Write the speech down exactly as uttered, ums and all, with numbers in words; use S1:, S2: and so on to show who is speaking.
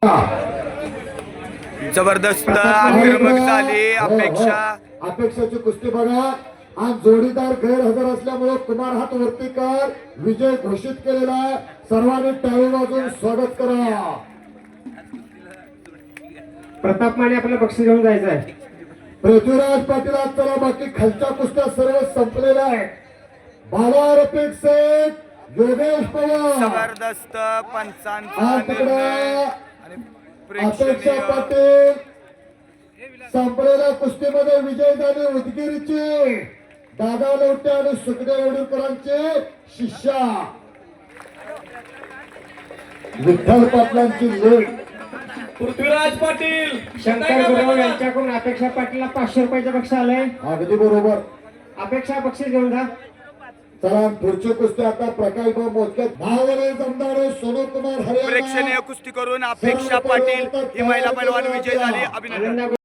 S1: जबरदस्त आक्रमक झाली अपेक्षा
S2: अपेक्षाची कुस्ती बघा आणि जोडीदार गैरहजर असल्यामुळे कुमार हात वरती कर विजय घोषित केलेला आहे. सर्वांनी टाळी वाजवून स्वागत करा.
S3: प्रताप माने आपलं बक्षीस घेऊन जायचं आहे.
S2: पृथ्वीराज पाटील आज चला बाकी खालच्या कुस्त्या सर्व संपलेल्या आहेत. बाबा रफिक शेख योगेश पवार
S1: जबरदस्त पंचांचा
S2: आज तिकडे
S1: निर्णय आणि
S2: अपेक्षा
S1: प्रेक्षणीय
S2: पाटील संपलेल्या कुस्तीमध्ये विजय झाले. उदगीरचे दादा लोटे आणि सुखदेव येडूरकरांचे शिष्या विठ्ठल पाटलांची लेख
S4: पृथ्वीराज पाटील
S3: शंकर गुरव यांच्याकडून अपेक्षा पाटीलला पाचशे रुपयाचं बक्षीस आलंय.
S2: अगदी बरोबर.
S3: अपेक्षा बक्षीस घेऊन जा.
S2: चला पुढची कुस्ती आता प्रकल्प मोजक्यात भावरे जमदारे सोनू कुमार
S1: प्रेक्षणीय
S2: हरियाणा
S1: कुस्ती करून अपेक्षा पाटील ही महिला पैलवान विजय झाली. अभिनंदन.
S3: आनंदा